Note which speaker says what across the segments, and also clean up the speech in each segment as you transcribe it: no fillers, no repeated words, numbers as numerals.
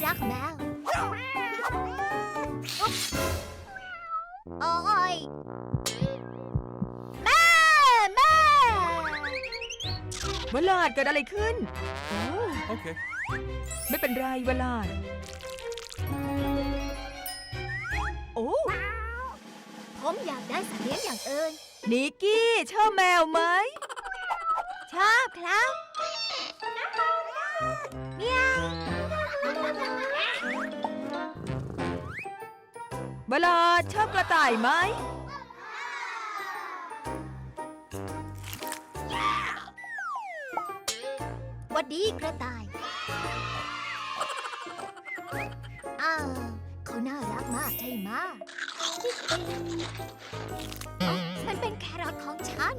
Speaker 1: รักแมวโอ้ยแม่
Speaker 2: วลาดเกิดอะไรขึ้นโอ้
Speaker 3: Okay.
Speaker 2: ไม่เป็นไรวลาดโอ้
Speaker 1: ผมอยากได้สัตว์เลี้ยงอย่างอื่น
Speaker 2: นิกกี้ชอบแมวไหม
Speaker 1: ชอบครับเมียว
Speaker 2: วลาดชอบกระต่ายไหม
Speaker 1: หวัดดีกระต่ายเขาน่ารักมากใช่ไหมมันเป็นแครอทของฉัน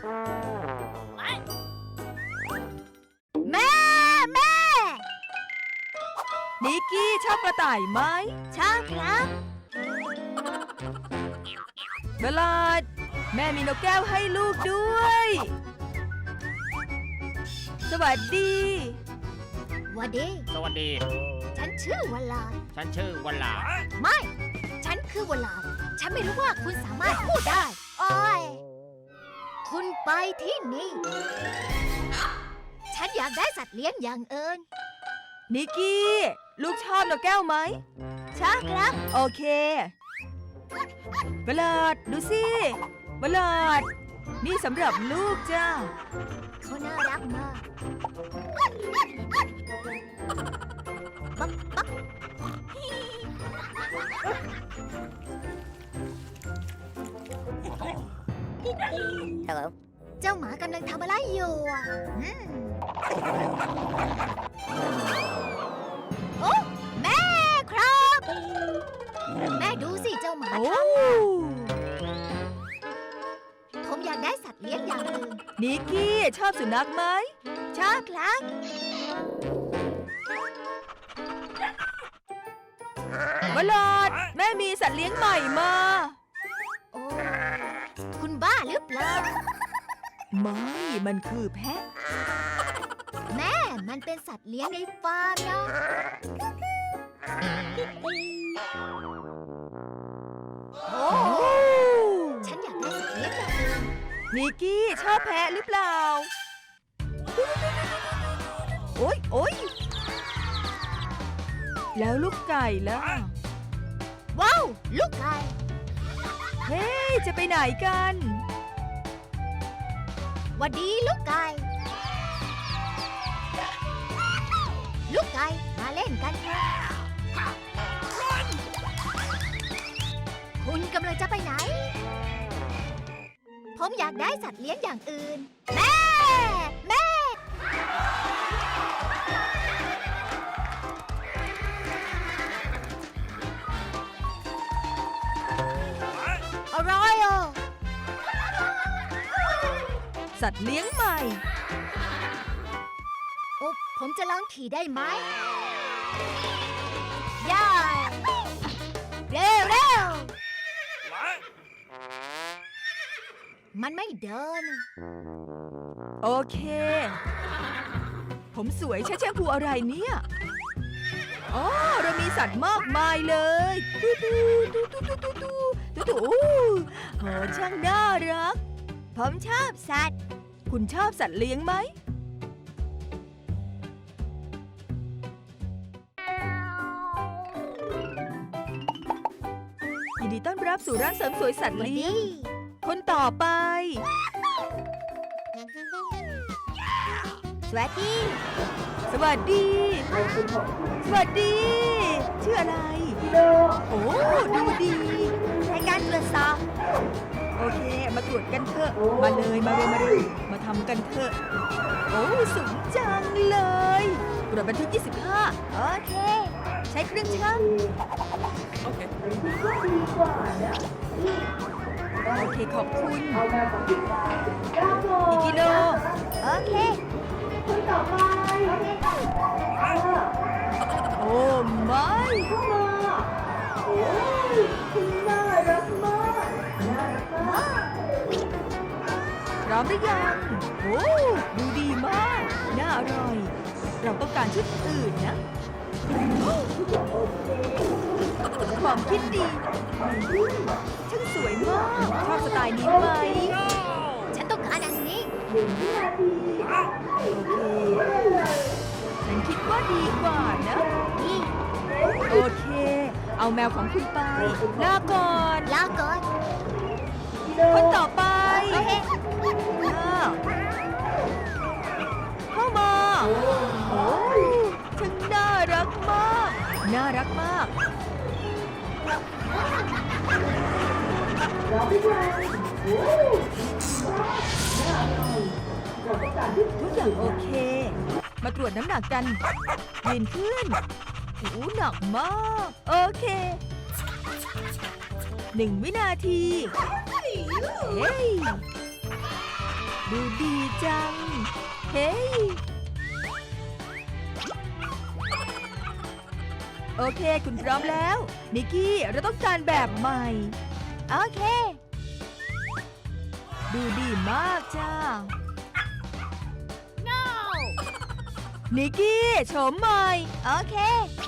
Speaker 1: แม่
Speaker 2: นิกกี้ชอบกระต่ายไหม
Speaker 1: ชอบครับ
Speaker 2: วลาดแม่มีนกแก้วให้ลูกด้วย สวัสดี
Speaker 1: หวัดดี
Speaker 4: สวัสดี
Speaker 1: ฉันชื่อวลาด
Speaker 4: ฉันชื่อวัลลา
Speaker 1: ไม่ ฉันคือวลาดฉันไม่รู้ว่าคุณสามารถพูดได้โอ้ยคุณไปที่นี่ ฉันอยากได้สัตว์เลี้ยงอย่างอื่น
Speaker 2: นิกกี้ลูกชอบนกแก้วไหม
Speaker 1: ชอบครับ
Speaker 2: โอเค วลาดดูสิ วลาดนี่สำหรับลูกจ้า
Speaker 1: เขาน่ารักมากปั๊บปั๊บ
Speaker 4: Hello
Speaker 1: เจ้าหมากำลังทำอะไรอยู่อะโอ้แม่ครับ แม่ดูสิเจ้าหมา
Speaker 2: โอ้
Speaker 1: ผมอยากได้สัตว์เลี้ยงอย่างอื่น
Speaker 2: นิกกี้ชอบสุนัขไหม
Speaker 1: ชอบครับ
Speaker 2: วลาดแม่มีสัตว์เลี้ยงใหม่มา
Speaker 1: โอ้คุณบ้าหรือเปล่า
Speaker 2: ไม่ มันคือแพะ
Speaker 1: แม่มันเป็นสัตว์เลี้ยงในฟาร์มนะโอ้
Speaker 2: โอ้
Speaker 1: ฉันอยากได้สัตว์เลี้ยงอย่างอื่น
Speaker 2: นิกกี้ชอบแพะหรือเปล่า โอ๊ยโอ๊ยแล้วลูกไก่ล่ะ
Speaker 1: ว้าวลูกไก่
Speaker 2: เฮ้ยจะไปไหนกัน
Speaker 1: หวัดดีลูกไก่ ลูกไก่มาเล่นกันเถอะคุณกำลังจะไปไหน ผมอยากได้สัตว์เลี้ยงอย่างอื่น แม่ อะไรอ่ะ
Speaker 2: สัตว์เลี้ยงใหม่
Speaker 1: โอ้ผมจะลองขี่ได้ไหมย่าเร็ว มันไม่เดิน
Speaker 2: โอเค ผมสวยใช่แชมพูอะไรเนี่ยอ๋อเรามีสัตว์มากมายเลยตู้โอ้โหช่างน่ารัก
Speaker 1: ผมชอบสัตว์
Speaker 2: คุณชอบสัตว์เลี้ยงไหม ยินดีต้อนรับสู่ร้านเสริมสวยสัตว์
Speaker 1: หวัด
Speaker 2: เลี้ย
Speaker 1: ดี
Speaker 2: ง คนต่อไป
Speaker 1: สวัสดี
Speaker 2: สวัสดี สวัสดี ชื่ออะไร โอ้ ดูดี
Speaker 1: ในการตรวจสอบ
Speaker 2: โอเค มาตรวจกันเถอะ มาเลย มาทำกันเถอะ โอ้สูงจังเลยตรวจบันทึก 25
Speaker 1: โอเค
Speaker 2: ใช้เครื่องชั่ง
Speaker 3: Okay.
Speaker 2: โอเค ขอบคุณ อีกกิโล
Speaker 1: โอเค
Speaker 2: โอ้ไม่ พร้อมหรือยัง โอ้ดูดีมาก น่าอร่อย เราต้องการชุดอื่นนะความคิดดีช่างสวยมาก ชอบสไตล์นี้ไหม
Speaker 1: ฉันต้องการอันนี้
Speaker 2: โอเค ฉันคิดว่าดีกว่านะ
Speaker 1: นี่
Speaker 2: โอเค เอาแมวของคุณไป ลาก่อน
Speaker 1: ลาก่อน
Speaker 2: คนต่อไป
Speaker 1: โอเค
Speaker 2: อ้าวเข้ามา โอ้ช่างน่ารักมาก น่ารักมาก ทุกอย่างโอเค มาตรวจน้ำหนักกัน ยืนขึ้นโอ้หนักมาก โอเค 1 วินาที เฮ้ย ดูดีจัง เฮ้ย โอเค คุณพร้อมแล้ว นิกกี้ เราต้องการแบบใหม่
Speaker 1: โอเค
Speaker 2: ดูดีมากจ้า นิกกี้โฉมใหม่
Speaker 1: โอเค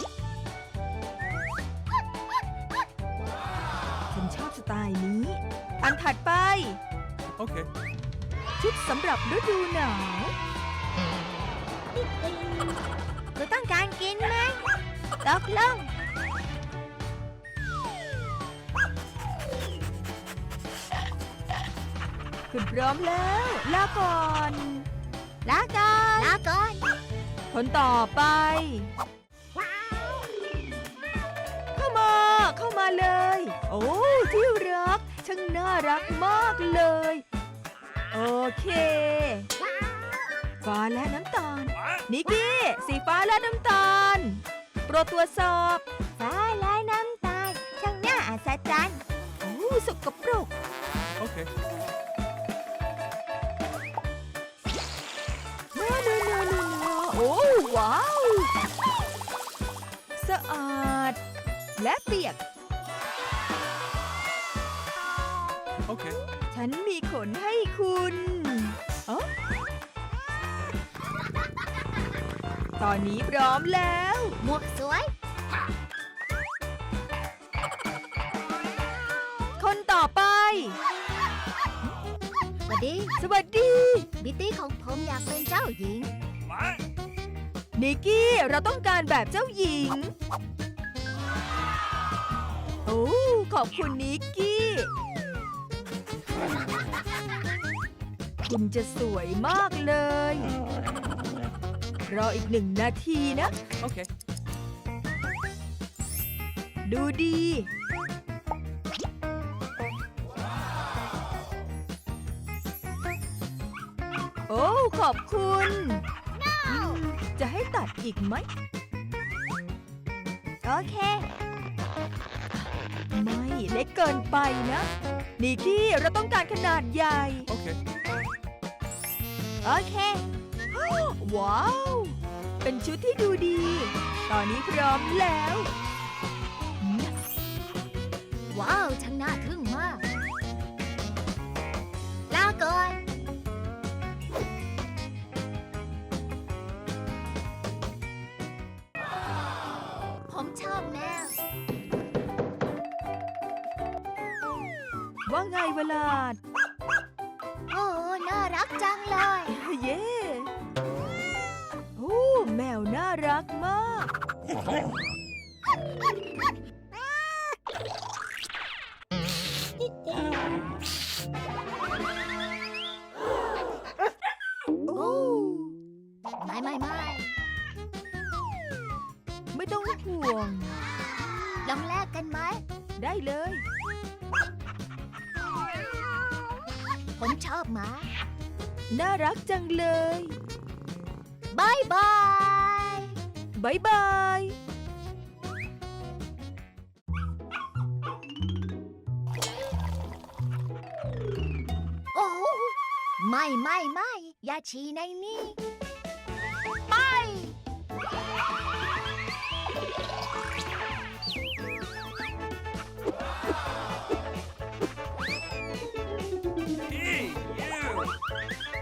Speaker 2: ฉันชอบสไตล์นี้ อันถัดไป
Speaker 3: Okay.
Speaker 2: ชุดสำหรับฤดูหนาว
Speaker 1: คุณต้องการกินไหมตกลง
Speaker 2: คุณพร้อมแล้ว ลาก่อน
Speaker 1: ลาก่อน ลาก่อน
Speaker 2: คนต่อไป เข้ามา เข้ามาเลย โอ้ ที่รัก ช่างน่ารักมากเลย โอเค ฟ้าและน้ำตาล นิกกี้ สีฟ้าและน้ำตาล โปรดตรวจสอบ
Speaker 1: ฟ้าและน้ำตาล ช่างน่าอัศจรรย์
Speaker 2: โอ้สกปรก
Speaker 3: Okay.
Speaker 2: นาโอ้ว้าว สะอาด และเปียก
Speaker 3: Okay.
Speaker 2: ฉันมีขนให้คุณเอ้อตอนนี้พร้อมแล้ว
Speaker 1: หมวกสวย
Speaker 2: คนต่อไป
Speaker 1: สวัสดี
Speaker 2: สวัสดี
Speaker 1: บิตตี้ของผมอยากเป็นเจ้าหญิง
Speaker 2: นิกกี้ เราต้องการแบบเจ้าหญิง โอ้ ขอบคุณนิกกี้ คุณจะสวยมากเลย รออีก1 นาทีนะ
Speaker 3: Okay.
Speaker 2: ดูดี โอ้ ขอบคุณจะให้ตัดอีกไหม
Speaker 1: โอเค
Speaker 2: ไม่เล็กเกินไปนะ นิกกี้ เราต้องการขนาดใหญ่
Speaker 3: Okay.
Speaker 1: โอเค
Speaker 2: ว้าว เป็นชุดที่ดูดี ตอนนี้พร้อมแล้ว
Speaker 1: ว้าว ช่างน่าทึ่งมาก ลาก่อน ผมชอบแมว
Speaker 2: ว่าไงเวลาด
Speaker 1: โอ้ น่ารักจังเลย
Speaker 2: เย้ โอ้ แมวน่ารักมาก โอ้
Speaker 1: ไม่
Speaker 2: ไม่ต้องห่วง
Speaker 1: ลองแลกกันไหม
Speaker 2: ได้เลย
Speaker 1: ผมชอบหมา
Speaker 2: น่ารักจังเลย
Speaker 1: บายบาย
Speaker 2: บายบาย
Speaker 1: โอ้ไม่ อย่าฉี่ในนี่ ไป
Speaker 3: Hey, you!